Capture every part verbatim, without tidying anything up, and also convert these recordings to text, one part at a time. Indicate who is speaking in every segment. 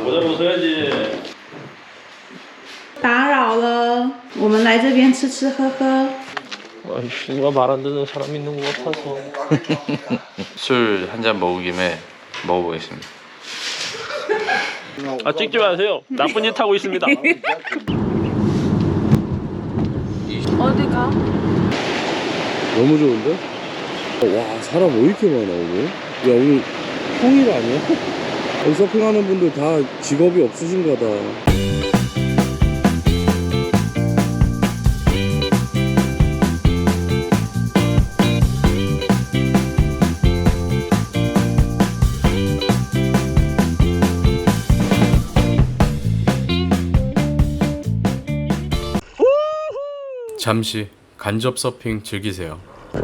Speaker 1: 모자 벗어야지.
Speaker 2: 打扰了，我们来这边吃吃喝喝。
Speaker 1: 아이씨, 누가 말 안 듣는 사람 있는 것 같아서.
Speaker 3: 술 한 잔 먹은 김에 먹어보겠습니다.
Speaker 1: 아, 찍지 마세요. 나쁜 짓 하고 있습니다.
Speaker 2: 어디가?
Speaker 4: 너무 좋은데? 와 사람 왜 이렇게 많아 오늘? 야 오늘 평일 아니야? 여기 서핑하는 분들 다 직업이 없으신가 다.
Speaker 3: 잠시 간접 서핑 즐기세요.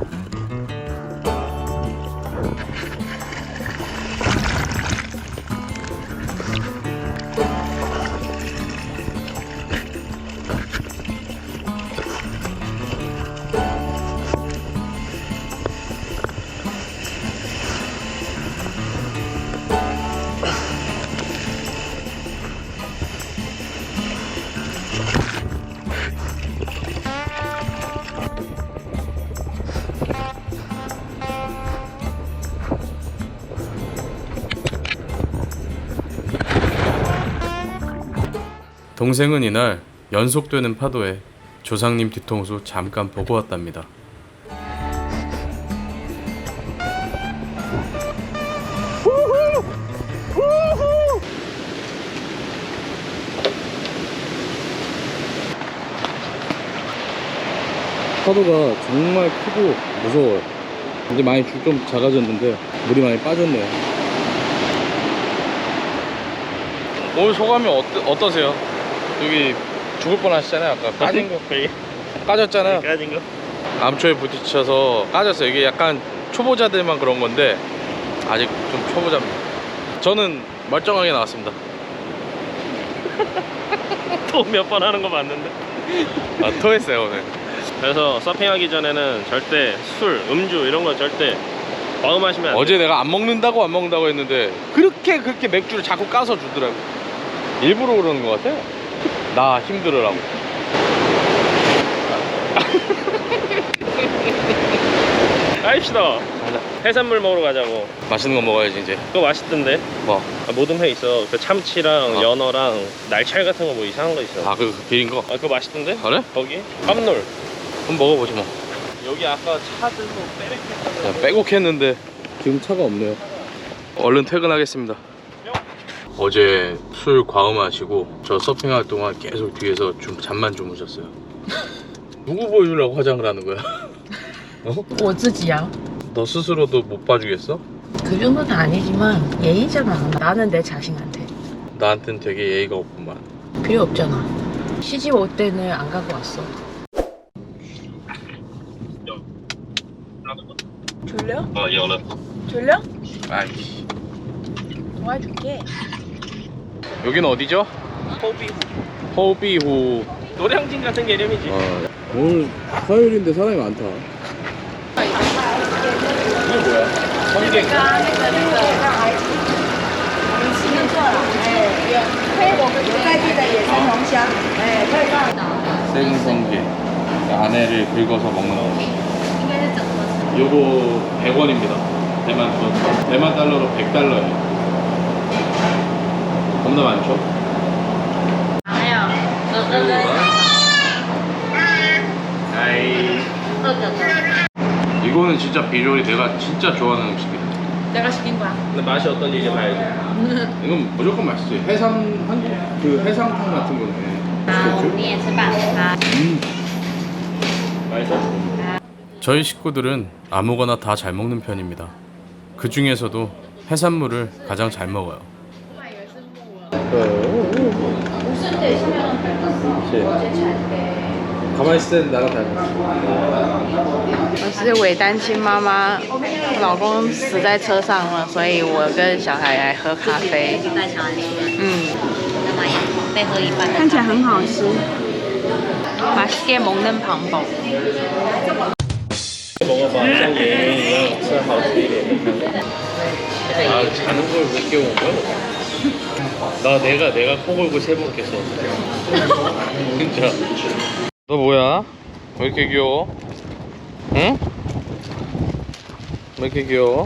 Speaker 3: 동생은 이날 연속되는 파도에 조상님 뒤통수 잠깐 보고 왔답니다.
Speaker 4: 파도가 정말 크고 무서워요. 이제 많이 좀 작아졌는데 물이 많이 빠졌네요.
Speaker 3: 오늘 소감이 어떠, 어떠세요? 여기 죽을 뻔하셨잖아요. 아까 까진 거 까졌잖아요.
Speaker 1: 까진 거?
Speaker 3: 암초에 부딪혀서 까졌어요. 이게 약간 초보자들만 그런 건데 아직 좀 초보자입니다. 저는 멀쩡하게 나왔습니다.
Speaker 1: 또 몇 번 하는 거 맞는데?
Speaker 3: 아, 토했어요 오늘.
Speaker 1: 그래서 서핑하기 전에는 절대 술, 음주 이런 거 절대 과음하시면 안 돼요.
Speaker 3: 어제 내가 안 먹는다고 안 먹는다고 했는데 그렇게 그렇게 맥주를 자꾸 까서 주더라고. 일부러 그러는 것 같아요. 나 힘들으라고.
Speaker 1: 가입시다. 해산물 먹으러 가자고.
Speaker 3: 맛있는 거 먹어야지 이제.
Speaker 1: 그거 맛있던데?
Speaker 3: 뭐?
Speaker 1: 아, 모든 회 있어. 그 참치랑
Speaker 3: 어.
Speaker 1: 연어랑 날찰 같은 거 뭐 이상한 거 있어.
Speaker 3: 아, 그 비린 거?
Speaker 1: 아, 그거 맛있던데?
Speaker 3: 그래?
Speaker 1: 거기? 깜놀.
Speaker 3: 한번 먹어보지 뭐.
Speaker 1: 여기 아까 차 들고 빼rek했다고.
Speaker 3: 야, 빼곡했는데
Speaker 4: 지금 차가 없네요.
Speaker 3: 얼른 퇴근하겠습니다. 어제 술 과음하시고 저 서핑할 동안 계속 뒤에서 좀 잠만 주무셨어요. 누구 보여주려고 화장을 하는 거야? 어?
Speaker 5: 我自己啊
Speaker 3: 너 스스로도 못 봐주겠어?
Speaker 5: 그 정도는 아니지만 예의잖아. 나는 내 자신한테
Speaker 3: 나한텐 되게 예의가 없구만.
Speaker 5: 필요 없잖아. 시집 올 때는 안 가고 왔어. 졸려?
Speaker 1: 어, 연어.
Speaker 5: 졸려?
Speaker 3: 아이씨.
Speaker 5: 도와줄게.
Speaker 3: 여기는 어디죠?
Speaker 1: 호비호.
Speaker 3: 호비호.
Speaker 1: 노량진 같은 개념이지.
Speaker 4: 아, 오늘 화요일인데 사람이 많다.
Speaker 3: 이게 뭐야? 성게. 생성게. 안에를 긁어서 먹는 거. 요거 백 원입니다. 대만 돈. 대만 달러로 백 달러예요. 겁나 많죠? 아이. 이거는 진짜 비주얼이 내가 진짜 좋아하는 음식이야.
Speaker 5: 내가 시킨 거야.
Speaker 1: 근데 맛이 어떤지 이제 봐야지.
Speaker 3: 이건 무조건 맛있지. 해삼 한국 그 해삼탕 같은 거네.
Speaker 6: 好，我们也吃饭啊。
Speaker 3: 음.
Speaker 1: 맛있어?
Speaker 3: 저희 식구들은 아무거나 다 잘 먹는 편입니다. 그 중에서도 해산물을 가장 잘 먹어요.
Speaker 4: 가만히 있을 땐 나랑 닮았어.
Speaker 5: 我是伪单亲妈妈，老公死在车上了，所以我跟小孩来喝咖啡。
Speaker 6: 带小孩出来，
Speaker 5: 嗯，
Speaker 6: 那么也再喝一半的。
Speaker 2: 看起来很好吃。
Speaker 5: 맛있게 먹는 방법.
Speaker 1: 먹어봐. 쌍게是好吃一点。
Speaker 3: 아, 자는 걸 왜 깨운 거야? 나 내가 내가 코 골고 세 번 깼어. 진짜. 너 뭐야? 왜 이렇게 귀여워? 응? 왜 이렇게 귀여워?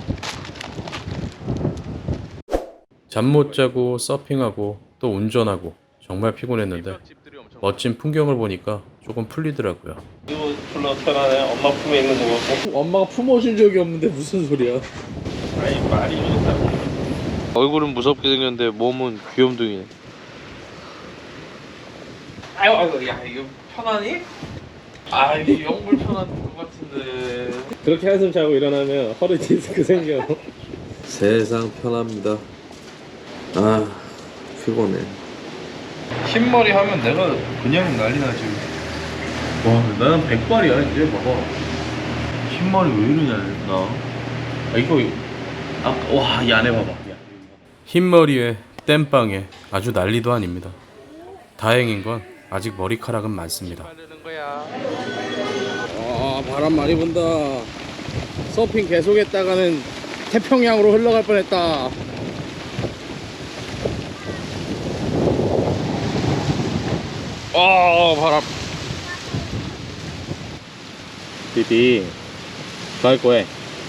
Speaker 7: 잠 못 자고 서핑하고 또 운전하고 정말 피곤했는데 멋진 풍경을 보니까 조금 풀리더라고요.
Speaker 1: 이거 별로 편하네. 엄마 품에 있는 거 같고.
Speaker 4: 엄마가 품어준 적이 없는데 무슨 소리야?
Speaker 1: 아니 말이 좋다.
Speaker 3: 얼굴은 무섭게 생겼는데 몸은 귀염둥이네.
Speaker 1: 아유 아유 야 이거 편하니?
Speaker 3: 아 이게 영 불편한 것 같은데.
Speaker 1: 그렇게 한숨 자고 일어나면 허리 디스크 생겨.
Speaker 4: 세상 편합니다. 아 피곤해.
Speaker 3: 흰머리 하면 내가 그냥 난리 나지. 와 나는 백발이야 이제 봐봐. 흰머리 왜 이러냐 나. 아 이거 아까 와이 안에 봐봐. 야.
Speaker 7: 흰머리에 땜빵에 아주 난리도 아닙니다. 다행인 건 아직 머리카락은 많습니다.
Speaker 4: 아 바람 많이 분다. 서핑 계속했다가는 태평양으로 흘러갈 뻔했다. 아 바람.
Speaker 1: 弟弟，来鬼！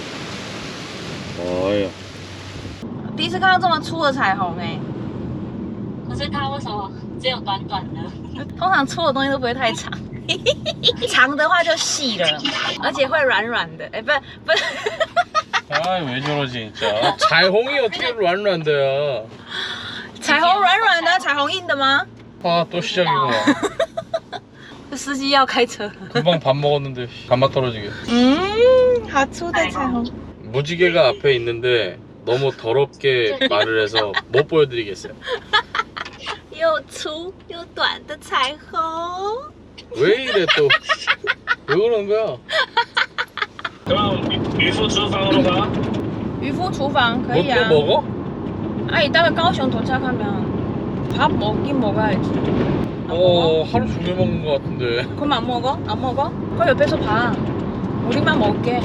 Speaker 1: 哎呀，
Speaker 5: 第一次看到这么粗的彩虹哎、
Speaker 6: 可是它为什么只有短短的？
Speaker 5: 通常粗的东西都不会太长，长的话就细了，而且会软软的。哎、不是不是，
Speaker 3: 아 왜 저러지 진짜.彩虹이 어떻게软软的야.
Speaker 5: 彩虹软软的，彩虹硬的吗？
Speaker 3: 아 또 시작이구나.
Speaker 5: 这司机要开车。
Speaker 3: 금방 밥 먹었는데 간맛 떨어지게.
Speaker 5: 嗯，好粗的彩虹。
Speaker 3: 무지개가 앞에 있는데 너무 더럽게 말을 해서 못 보여드리겠어요.
Speaker 5: 又粗又短的彩虹。
Speaker 3: 왜 이래 또? 왜 그러는 거야?
Speaker 1: 그럼渔夫厨房로 가.
Speaker 5: 渔夫厨房可
Speaker 3: 뭐
Speaker 5: 以啊。
Speaker 3: 또 먹어?
Speaker 5: 아 이따가高雄 도착하면 밥 먹긴 먹어야지. 안
Speaker 3: 어
Speaker 5: 먹어?
Speaker 3: 하루 종일 먹는 거 같은데.
Speaker 5: 그럼 안 먹어? 안 먹어? 그럼 옆에서 봐. 우리만 먹게.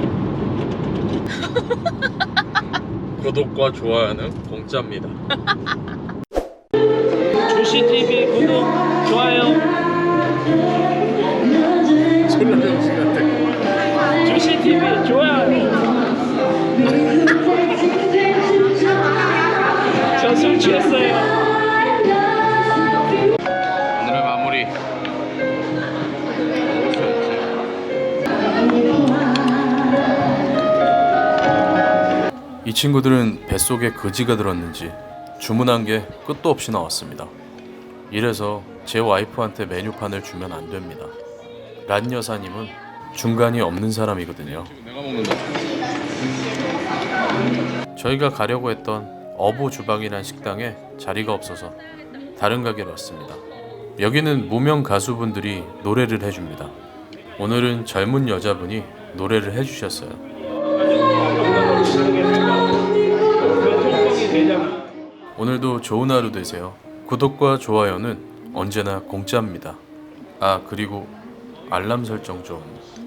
Speaker 3: 구독과 좋아요는 공짜입니다.
Speaker 1: 조시 티비 구독, 좋아요.
Speaker 3: 졸라 병신 같아.
Speaker 1: 조시 티비 좋아요. 저 술 취했어요.
Speaker 3: 오늘의 마무리.
Speaker 7: 이 친구들은 뱃속에 거지가 들었는지 주문한 게 끝도 없이 나왔습니다. 이래서 제 와이프한테 메뉴판을 주면 안 됩니다. 란 여사님은 중간이 없는 사람이거든요.
Speaker 3: 내가 먹는다.
Speaker 7: 저희가 가려고 했던 어부 주방이란 식당에 자리가 없어서 다른 가게로 왔습니다. 여기는 무명 가수분들이 노래를 해줍니다. 오늘은 젊은 여자분이 노래를 해주셨어요. 오늘도 좋은 하루 되세요. 구독과 좋아요는 언제나 공짜입니다. 아 그리고 알람 설정 좀